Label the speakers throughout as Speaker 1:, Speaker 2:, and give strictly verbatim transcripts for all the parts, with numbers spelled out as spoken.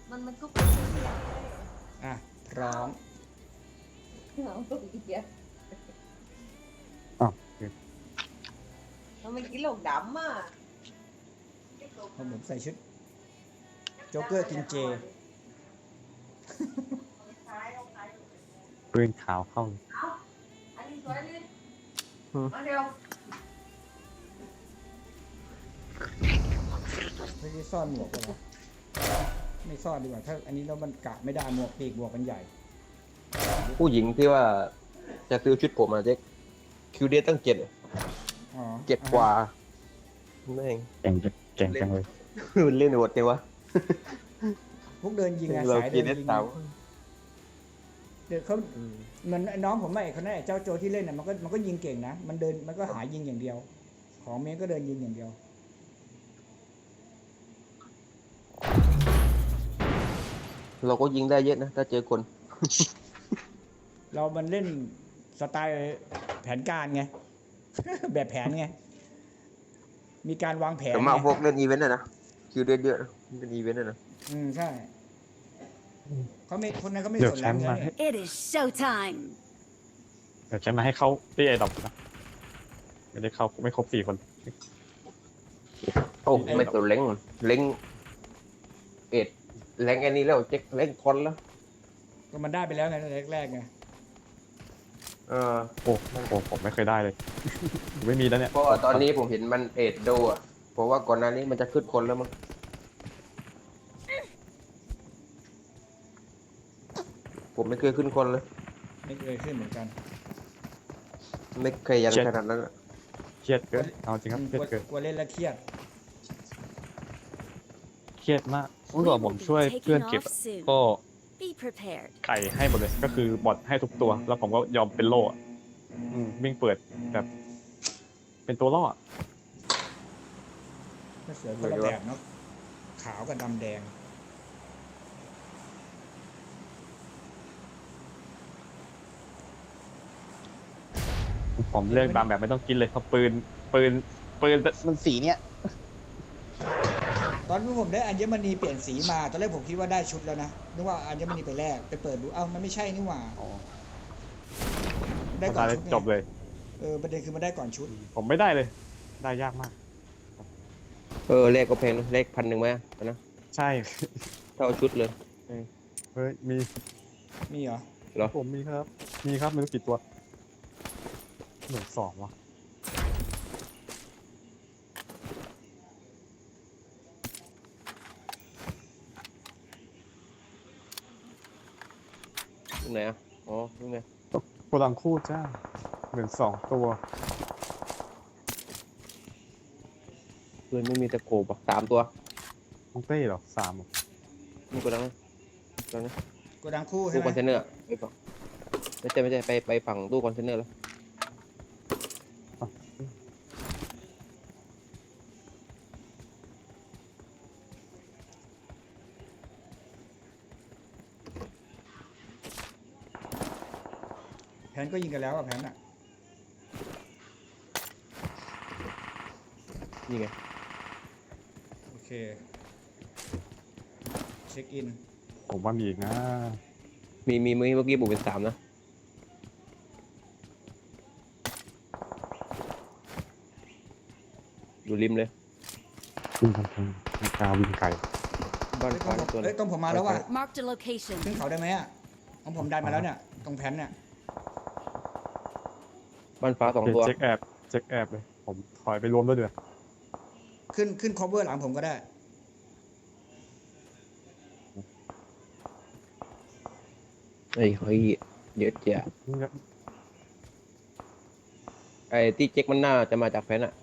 Speaker 1: มันมันก็เป็นเสียงเลย
Speaker 2: อ่ะพร้อม
Speaker 1: เอาอีกอ่ะ
Speaker 3: อ้าว
Speaker 1: ทำไมกินหลงดำอ่ะ
Speaker 2: เพราะผมใส่ชุดโจ๊กเกอร์กินเจ
Speaker 3: ปืนขาวเข้า
Speaker 1: อันนี้สวยเลย
Speaker 3: อืม
Speaker 1: มาเร็ว
Speaker 2: ไม่ได้ซ่อนหมวกเหรอไม่ซ่อนดีกว่าถ้าอันนี้แล้วมันกะไม่ได้หมวกปีกหมวกมันใหญ่
Speaker 4: ผู้หญิงที่ว่าจะซื้อชุดผมมาเจ๊กคิวเดทตั้งเจ็ด
Speaker 2: อ๋อ
Speaker 4: เจ็ดกว่าแม่ง
Speaker 3: เก่งจังเก่งจังเลย
Speaker 4: มันเล่นโหดเนี่ยวะ
Speaker 2: พวกเดินยิงอะ
Speaker 4: เรา
Speaker 2: สาย
Speaker 4: กิ
Speaker 2: เดิ
Speaker 4: น
Speaker 2: น
Speaker 4: เอส
Speaker 2: ยิง
Speaker 4: สาม
Speaker 2: เดี๋ยวเขาเหมือนน้องผมไม่คนนั้นไอ้เจ้าโจที่เล่นน่ะมันก็มันก็ยิงเก่งนะมันเดินมันก็หายิงอย่างเดียว ของเมย์ก็เดินยิงอย่างเดียว
Speaker 4: เราก็ยิงได้เยอะนะ ถ้าเจอคน
Speaker 2: เรามันเล่นสไตล์แผนการไง แบบแผนไง มีการวางแผน
Speaker 4: แต่มาก
Speaker 2: ไง
Speaker 4: พวกเล่นอีเวนต์อะนะคิวเดทเยอะนะเป็นอีเวนต์อะนะ
Speaker 2: อืมใช่เขาไม่คนนั้นเขาไม่
Speaker 3: เดี๋ย
Speaker 2: ส
Speaker 3: วน แช
Speaker 2: แล้ว
Speaker 3: มป์
Speaker 2: ใช่
Speaker 3: มา
Speaker 2: ไหม
Speaker 3: ให้
Speaker 5: It is showtime.
Speaker 3: เดี๋ยวแชมป์มาให้เข้าที่ไอ้ดอกนะไม่ได้เข้าไม่ครบสี่คน
Speaker 4: โอ้ไม่ตัวเล้งเล้งเอ็ดเล้งไอ้นี่แล้วเจ๊กเล้งคอนแล้ว
Speaker 2: ก็มันได้ไปแล้วไงแรกๆไง
Speaker 4: เออ
Speaker 3: โอ้โหผมไม่เคยได้เลย ไม่มีแล้วเนี่ย
Speaker 4: เพราะว่าตอนนี้ผมเห็นมันเอ็ดโดอ่ะเพราะว่าก่อนหน้านี้มันจะขึ้นคนแล้วมั้งผมไม่เคยขึ้นคนเลย
Speaker 2: ไม่เคยขึ้นเหมือนกัน
Speaker 4: ไม่เคยยันขนาดนั้นอะ
Speaker 3: เครียดเกินเอาจริงครับ
Speaker 2: อืม
Speaker 3: เครียด
Speaker 2: กลัว
Speaker 3: เกิน
Speaker 2: กลัวเล่นแล้วเครียด
Speaker 3: เครียดมากเมื่อก่อนผมช่วยเพื่อนเก็บอะก็
Speaker 5: Be prepared.
Speaker 3: ไก่ให้หมดเลยก็คือบอทให้ทุกตัว แล้วผมก็ยอมเป็นโล่อะอืมวิ่งเปิดแบบ เป็นตัวล่ออะ
Speaker 2: ก็เสือคนละแบบเนาะขาวกับดำแดง
Speaker 3: ผมเลือกตามแบบไม่ต้องกินเลยเพราะปืนปืนปืนมันสีเนี้ย
Speaker 2: ตอนที่ผมได้อัญมณีเปลี่ยนสีมาตอนแรกผมคิดว่าได้ชุดแล้วนะนึกว่าอัญมณีไปแลกไปเปิดดูเอ้ามันไม่ใช่นี่หว่า
Speaker 3: อ๋อ
Speaker 2: ได้ก่อน
Speaker 3: ได้
Speaker 2: ชุดไง
Speaker 3: จบเลย
Speaker 2: เออประเด็นคือมันได้ก่อนชุด
Speaker 3: ผมไม่ได้เลย ได้ยากมาก
Speaker 4: เออเลขก็แพงนะเลขพันหนึ่งไหมนะ
Speaker 3: ใช่
Speaker 4: เท่าชุดเลย
Speaker 3: เฮ้ยมี
Speaker 2: มีเหรอ
Speaker 4: เหรอ
Speaker 3: ผมมีครับ มีครับไม่รู้กี่ตัวหนึ่งสองวะ
Speaker 4: ตรงไหนอ่ะอ๋อตรงไหน
Speaker 3: โกดังคู่จ้าหนึ่งสองตัว
Speaker 4: เพื่อนไม่มีตะโกบอ่ะสามตัว
Speaker 3: น้องเต้เหรอสามเหรอ
Speaker 4: มีกระดังไหมกระดังนะ
Speaker 2: โกดังคู่ใช่
Speaker 4: ตู้
Speaker 2: ไห
Speaker 4: ค
Speaker 2: ม
Speaker 4: อนเทนเนอร์ไปฝั่งไม่ใช่ไม่ใช่ไปไปฝั่งตู้คอนเทนเนอร์แล้ว
Speaker 2: แผนก็ยิงกันแล้วอะแผนอะ
Speaker 4: นี่ไง
Speaker 2: โอเคเช็คอิน
Speaker 3: ผมว่ามีอีกนะ
Speaker 4: มีมีเมื่อกี้บุกเป็นสามนะอยู่ริมเลย
Speaker 3: วิ่งทางทางมีกาวิ่งไก่
Speaker 4: บ้าน
Speaker 2: เฮ้ย
Speaker 4: ฟ้า
Speaker 2: ต้องผม
Speaker 4: ตัว
Speaker 2: เฮ้ยต้องผมมาแล้วว่ะ
Speaker 5: Marked a location.
Speaker 2: ขึ้นเขาได้ไหมอะของผมดันมาแล้วเนี่ยตรงแผนเนี่ย
Speaker 4: บ้านฟ้าสองตัว
Speaker 3: เช็คแอบเช็คแอบเลย ผมถอยไปรวมด้วยเดือด
Speaker 2: ขึ้นขึ้น cover หลังผมก็ได้
Speaker 4: ไอ้เฮ้ยเยอะจ้ะไอ้ที่เจ๊กมันน่าจะมาจากแฟนอะ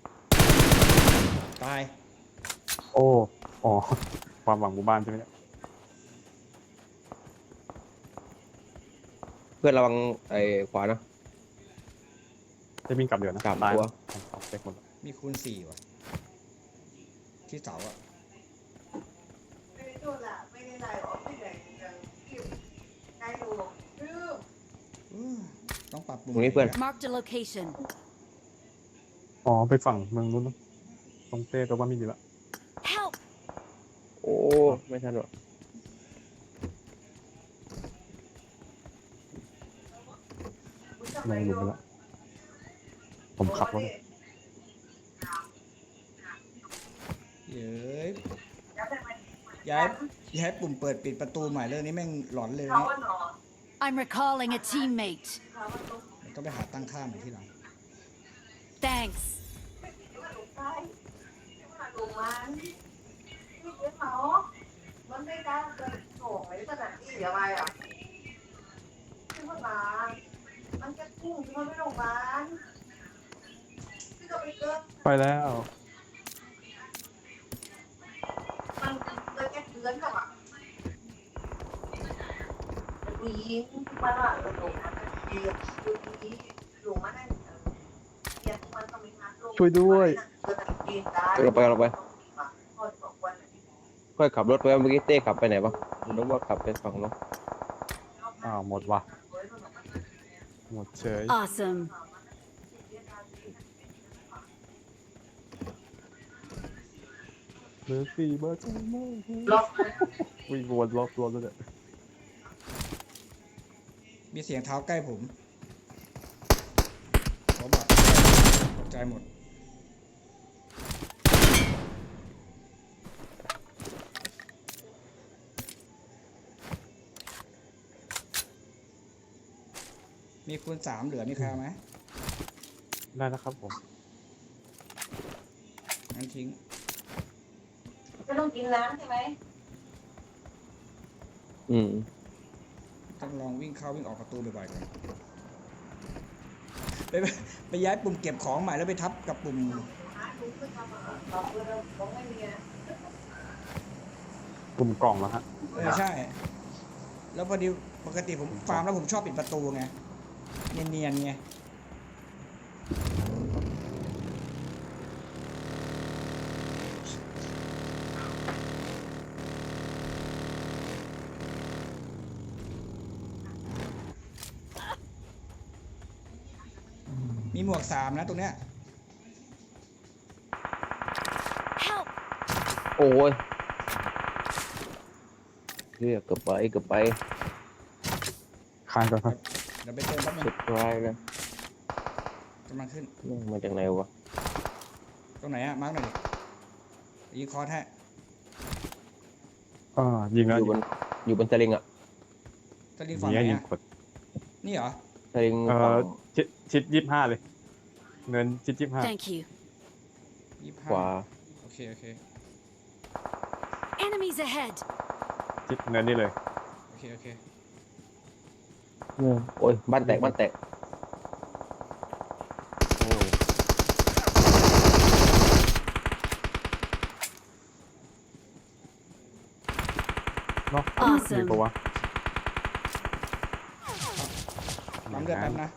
Speaker 2: ตาย
Speaker 3: โอ้อ๋อความหวังหมู่บ้านใช่ไหมเนี่ย
Speaker 4: เพื่อนระวังไอ้ขวานะ
Speaker 3: จะวิ่งกลับเดือดนะ
Speaker 4: สาม
Speaker 3: ตาย
Speaker 4: ตัว
Speaker 3: ผมเอาเช็คหมดแล้ว
Speaker 2: มีคูณสี่ว่ะที่เสาอะ
Speaker 1: ไม่ได้โดนละไม่ได้ไล่ออกไม่ได้ยังคิวไกลดูคือ
Speaker 2: อืมต้องปรับปรุง
Speaker 4: ตรงนี้เพื่อน
Speaker 5: Marked a location.
Speaker 3: อ๋อไปฝั่งเมืองนู้นเนอะตรงเต้ตัวว่ามีอยู่แล้ว
Speaker 5: Help!
Speaker 4: โอ้ไม่ทันหรอก
Speaker 3: ลงหลุมไปแล้วผมขับรถ
Speaker 2: เย้ยย้ายย้ายปุ่มเปิดปิดประตูใหม่เรื่องนี้แม่งหลอนเลย
Speaker 1: เขา
Speaker 2: นี่
Speaker 1: ว่านอน
Speaker 5: I'm recalling a teammate.
Speaker 1: เขาว่าต้อง
Speaker 2: ต้องไปหาตั้งค่าใหม่ที่หลัง
Speaker 5: Thanks.
Speaker 1: ที่ว่าหนูใต้ที่ว่าหนูมันที่เจ๊เขามันไม่ได้เกินโง่ไอ้ขนาดที่อะไรอ่ะที่ว่ามามันจะพุ่งที่มันไม่ลงมาที่ก็ไปเกิน
Speaker 3: ไปแล้ว
Speaker 1: มันเลยแค่เดือนกับอ่ะมันยิงมาละเออหลงมันเดียวดูดีหลงมาได้เดียวมันต้องมีทางลง
Speaker 3: ช่วยด้วย
Speaker 4: เราไปเราไปค่อยขับรถไปเมื่อกี้เต้ขับไปไหนปะนึกว่าขับไปฝั่งนู้น
Speaker 3: อ้าวหมดว่ะหมดเฉย
Speaker 5: Awesome.
Speaker 3: เบอร์สี่เบอร์สองเบอร์ห้า
Speaker 1: ล็อก
Speaker 3: วิ่งวนรอบรถแล้วเนี่ย
Speaker 2: มีเสียงเท้าใกล้ผมขอบอกตกใจหมด มีคูณสามเหลือมีใครเอาไหม
Speaker 3: ได้แล้วครับผม
Speaker 2: งั้นทิ้ง
Speaker 1: จะต้องกินน้ำใช่ไหม
Speaker 4: อืม
Speaker 2: ต้องลองวิ่งเข้าวิ่งออกประตูบ่อยๆก่อนไปไปไปย้ายปุ่มเก็บของใหม่แล้วไปทับกับปุ่ม
Speaker 1: หาดูขึ้นมาตอบเลยผมไม่มีอ่ะ
Speaker 3: กลุ่มกล่องแล้วฮะ
Speaker 2: เออใช่ แล้วพอดีปกติผมฟาร์มแล้วผมชอบปิดประตูไง เนียนๆไง มีหมวกสามนะตรงเนี้ย
Speaker 5: Help.
Speaker 4: โอ้ยเรียกเกือบไปเกือบไป
Speaker 3: คานก่อนครับ
Speaker 2: เดี๋ยวไปเติมแป๊บนึ
Speaker 4: สุ
Speaker 2: ง
Speaker 4: ดท้ายแล้ว
Speaker 2: กำลังขึ้น
Speaker 4: นี่มาจากไหนวะ
Speaker 2: ตรงไหนอะมาร์กหน่อยดิยิงคอร์สให้
Speaker 3: อ่ายิงแล้ว
Speaker 4: อยู่บนอยู่บนสลิงอ่ะ
Speaker 2: สลิง
Speaker 3: ยิ
Speaker 2: ฝั่ง
Speaker 3: ง
Speaker 2: ไหน
Speaker 3: ยิง
Speaker 2: อะ
Speaker 3: กด
Speaker 2: นี่เหรอ
Speaker 4: สลิง
Speaker 3: เอ่
Speaker 4: ฝั่
Speaker 3: อง ชิดชิดยี่ห้าเลย เงินชิดยี่ห้า
Speaker 5: Thank you.
Speaker 2: ยี่สิบ
Speaker 4: ข
Speaker 2: ห้าว
Speaker 4: า
Speaker 2: โอเค โอเค
Speaker 5: Enemies ahead.
Speaker 3: ชิดเงินนี่เลย
Speaker 2: โอเค โอเค
Speaker 4: โอ้ยบ้านแตกบ้านแตก
Speaker 3: โอ้เนาะ
Speaker 5: Awesome
Speaker 3: มีปะวะ
Speaker 2: ปั๊มเลือดแป๊บนะ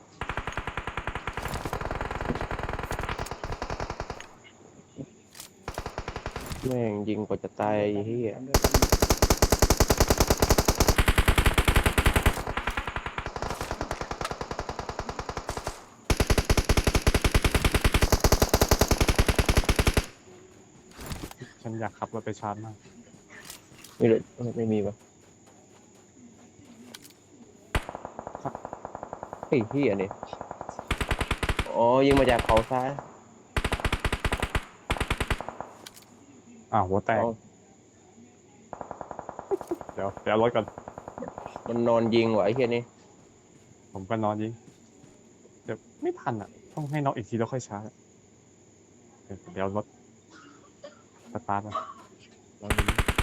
Speaker 4: แม่งยิงกว่าจะตายไอ้เฮีย
Speaker 2: ปั๊มเลือดแป๊บนึง
Speaker 3: ฉันอยากขับรถไปชาร์จมาก
Speaker 4: ไม่เลยไม่มีปะเฮ้ยเฮียนี่อ๋อยิงมาจากเขาซ้าย
Speaker 3: อ้าวหัวแตก
Speaker 4: อ๋อ
Speaker 3: เดี๋ยวเดี๋ยวเอารถก่อน
Speaker 4: มันนอนยิงว่ะไอ้เฮียนี่
Speaker 3: ผมก็นอนยิง เดี๋ยวไม่ทันอ่ะ ต้องให้น็อกอีกทีแล้วค่อยชาร์จเดี๋ยวเดี๋ยวรถสตาร์ทมาลองดู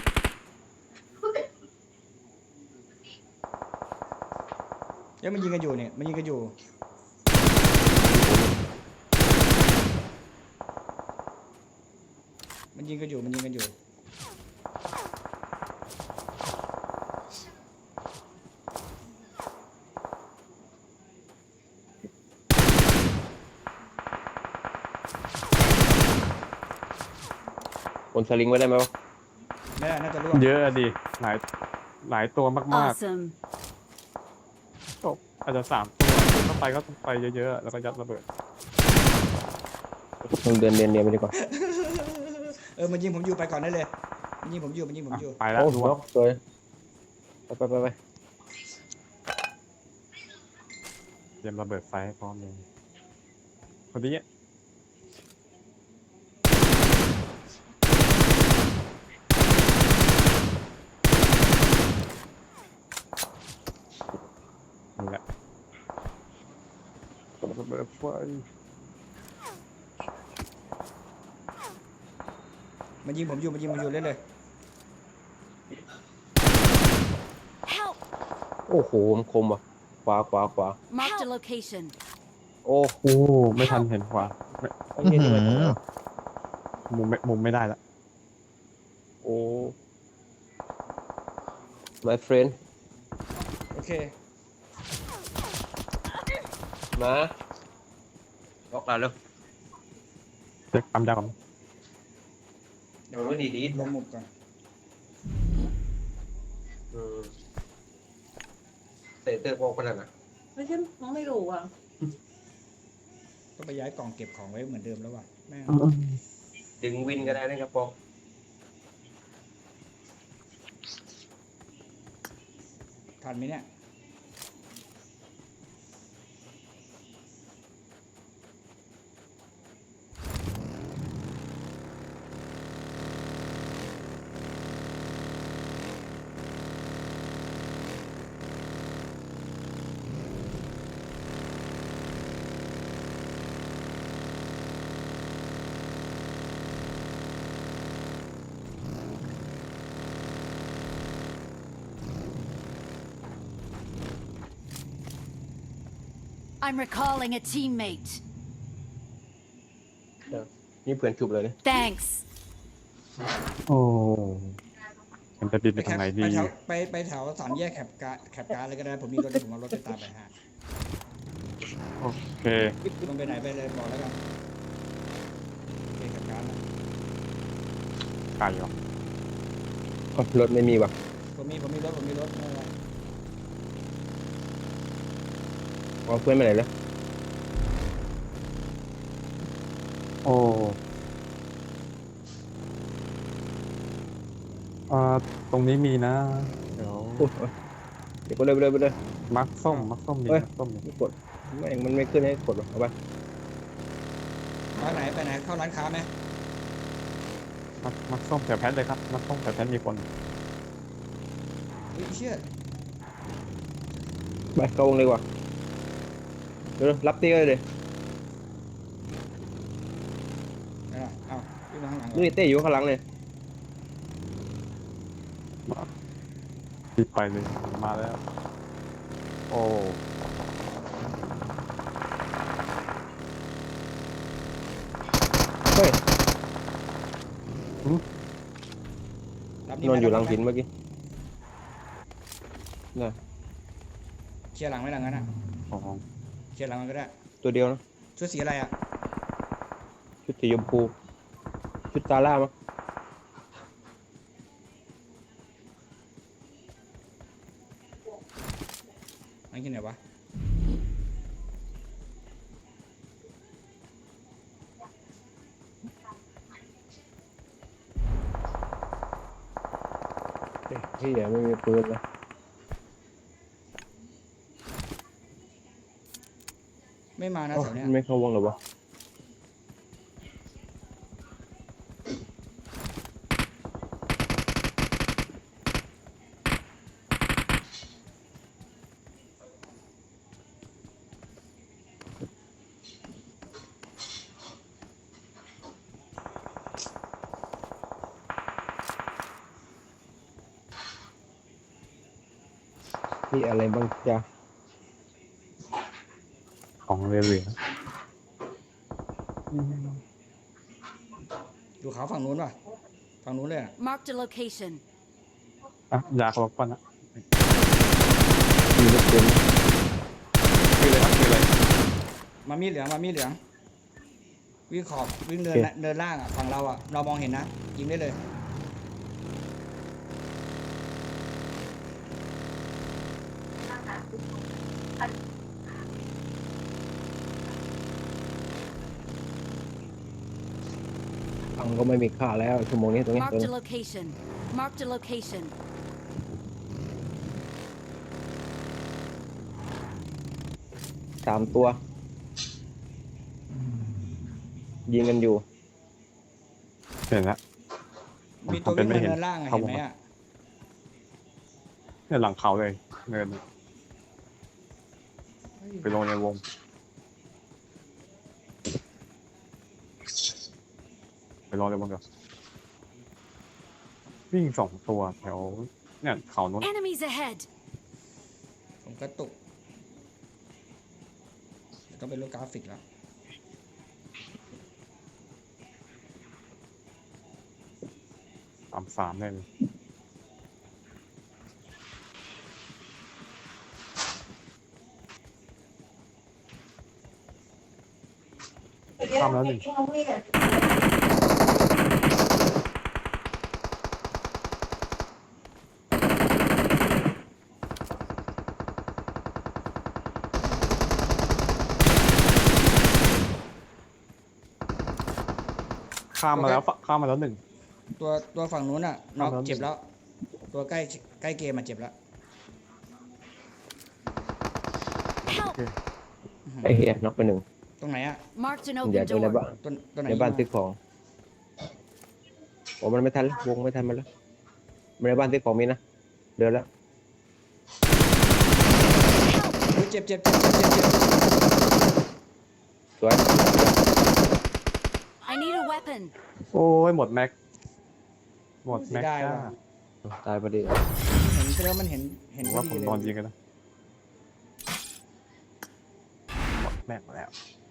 Speaker 2: เดี๋ยวมันยิงกันอยู่เนี่ย มันยิงกันอยู่ มันยิงกันอยู่ มันยิงกันอยู่
Speaker 4: บนสลิงไว้ได้ไหมวะ
Speaker 2: ไม่ได้น่าจะร่วง
Speaker 3: เยอะอะดิ หลาย หลายตัวมาก
Speaker 5: Awesome.
Speaker 3: ๆก็อาจจะสามตัวเข้าไปก็ต้องไปเยอะๆ แล้วก็ยัดระเบิด
Speaker 4: มึงเดินเรียนเรียนไปดีกว่า
Speaker 2: เออ มันยิงผมอยู่ไปก่อนได้เลย มันยิงผมอยู่ มันยิงผม
Speaker 3: อ่ะ
Speaker 2: อยู่
Speaker 3: ไปแล้ว
Speaker 4: โอ้
Speaker 3: ดู
Speaker 4: โหสวยไปไปไปไป
Speaker 3: เรียมระเบิดไฟให้พร้อมเลยคนนี้นี่แหละระเบิดไฟ
Speaker 2: มันยิงผมอยู่มันยิงผมอยู่เล่นเลย
Speaker 5: Help!
Speaker 4: โอ้โหมันคมว่ะขวาขวาขวา
Speaker 5: Marked a location.
Speaker 4: โอ้
Speaker 3: โอ้ไม่ทันเห็นขวาไม่
Speaker 4: ไอ้เหี้ยนี่มันตรงไหนวะ
Speaker 3: มุมไม่มุมไม่ได้ละ
Speaker 4: โอ้ my friend
Speaker 2: โอเค
Speaker 4: มาล็อกเราเร็ว
Speaker 3: เช็คปั๊มยาก่อน
Speaker 4: เดี๋ยวไม่ดีดี
Speaker 2: ลงหมุดก่อน
Speaker 4: อืมเตะเตะบอลขนาดน่ะ
Speaker 1: ไม่ใช่น้องไม่รู้อ่ะ
Speaker 2: ต้องไปย้ายกล่องเก็บของไว้เหมือนเดิมแล้วว่ะแม่ง
Speaker 4: ดึงวินก็ได้นะครับปอง
Speaker 2: ทันไหมเนี่ย
Speaker 5: I'm recalling a teammate.
Speaker 4: นี่เพื่อนจุบเลยเนี่ย
Speaker 5: Thanks.
Speaker 3: โอ้มันจะบินไป
Speaker 2: ไป
Speaker 3: ทางไหนดี
Speaker 2: ไปแถวไปไปแถวสามแยกแคปการ์แคปการ์เลยก็ได้ผมมีรถเดี๋ยวผมเอารถไปตามไปฮะ
Speaker 3: โอเค
Speaker 2: ลงไปไหนไปเลยบอกแล้วกันโอเคแคปการ์นะ
Speaker 3: ไก่เหรอ
Speaker 4: อ๋อรถไม่มีว่ะ
Speaker 2: ผมมีผมมีรถผมมีรถไม่เป็นไร
Speaker 4: เอาเพื่อนไปไหนแล้ว
Speaker 3: โอ้อ่าตรงนี้มีนะ เดี๋ยว
Speaker 4: โอ้ยเดี๋ยวก็เลยไปเลยไปเลย
Speaker 3: มักส้มมักส้มมี
Speaker 4: เฮ้ย
Speaker 3: มักส้มมี
Speaker 4: ไม่กดไม่งมันไม่ขึ้นให้กดหรอกเอาไป
Speaker 2: ไปไหนไปไหนเข้าร้านค้าไหม
Speaker 3: มักมักส้มแถวแพทเลยครับมักส้มแถวแพทมีคน
Speaker 2: เฮ้ยเชี่ย
Speaker 4: ไปเข้าวงเลยว่ะเดี๋ยวรับตีเลยเลย
Speaker 2: ไหนล่ะเอ้าวิ่งมาข้างหลังเหรอ
Speaker 4: นี่เต้อยู่ข้างหลังเลย
Speaker 3: รีบไปเลยมาแล้ว โอ้
Speaker 4: เฮ้ย
Speaker 2: รับ
Speaker 4: นอนอยู่หลัง
Speaker 2: ไหม
Speaker 4: หินเมื่อกี้น่ะ
Speaker 2: เคลียร์หลังไว้หลังนั้นอ่ะ
Speaker 3: โอ้
Speaker 2: เคลียร์หลังมันก็ได้
Speaker 4: ตัวเดียวนะ
Speaker 2: ชุดสีอะไรอ่ะ
Speaker 4: ชุดสีชมพูชุดตาล่ามั้ง
Speaker 2: อันที่ไหนวะ
Speaker 4: เฮ้ยที่ไหนไม่มีปืนเลย
Speaker 2: ไม่มานะ
Speaker 4: เอ้า
Speaker 2: แถวเนี้ย
Speaker 4: ไม่เข้าวงหรอวะนี่อะไรบ้างจ๊ะ
Speaker 3: ของเรือเรือ
Speaker 2: ดูเขาฝั่งนู้นป่ะฝั่งนู้นเลยอ่ะ
Speaker 5: Marked a location.
Speaker 3: อ่ะยาเขาบอกก่อนนะ
Speaker 4: มีรถปืนไหม
Speaker 3: คือเลยครับคือเลย
Speaker 2: มามีเหลืองมามีเหลืองวิ่งขอบวิ่งเดินเดินล่างอ่ะฝั่งเราอ่ะเรามองเห็นนะยิงได้เลย
Speaker 4: ตังค์ก็ไม่มีค่าแล้วชั่วโมงนี้ตรงนี้ตรง
Speaker 5: Marked
Speaker 4: นี้
Speaker 5: a location. Marked a location.
Speaker 4: ตสามตัว ยิงกันอยู่
Speaker 3: เห็นแล้ว
Speaker 2: มีตัว
Speaker 3: ทำเป็
Speaker 2: วิ่
Speaker 3: น
Speaker 2: ง
Speaker 3: ไม่
Speaker 2: มา
Speaker 3: เห็น
Speaker 2: เนินล่างอะ
Speaker 3: เข้า
Speaker 2: เห็น
Speaker 3: มา
Speaker 2: ไหมอ่ะ
Speaker 3: เนี่ยหลังเขาเลยเนินไปลงในวงไปลงในวงกับวิ่งสองตัวแถวเนี่ยเขาโน้น
Speaker 5: Enemies ahead!
Speaker 2: ผมกระตุกต้องเป็นรูปกราฟิกแล้ว
Speaker 3: สามสามได้เลยข้ามแล้วหนึ่ง ข้ามมาแล้วข้ามมาแล้วหนึ่ง
Speaker 2: ตัวตัวฝั่งนู้นอ่ะน็อก
Speaker 3: ครับ
Speaker 2: เจ็บแล้ว ตัวใกล้ใกล้เกมมาเจ็บแล้ว
Speaker 5: Help!
Speaker 4: ไอ้เหี้ยน็อกไปหนึ่ง
Speaker 2: ตรงไหนอ่ะ
Speaker 5: Marked an
Speaker 4: อย่า
Speaker 5: open
Speaker 4: ดูใน
Speaker 5: door.
Speaker 4: บ้าน
Speaker 2: ตัวตัวไหน
Speaker 4: ในบ้าน
Speaker 2: ยิง
Speaker 4: ซื้อของโอ้มันไม่ทันแล้ววงไม่ทันมันแล้วในบ้านซื้อของมีนะเดินแล้ว
Speaker 2: อุ๊ยเจ็บเจ็บเจ็บเจ็บเจ็บเจ็บ
Speaker 4: สวย
Speaker 5: I need a weapon.
Speaker 3: โอ้ยหมดแม็กหมดแม็ก
Speaker 2: ได้
Speaker 3: จ้า
Speaker 2: ว่ะ
Speaker 4: ตายพอดี
Speaker 2: เห็นแล้วมันเห็นเห็น
Speaker 3: ผม
Speaker 2: พอ
Speaker 3: ว่า
Speaker 2: ดี
Speaker 3: ผม
Speaker 2: เลย
Speaker 3: นอนยิงกันนะหมดแม็กมาแล้ว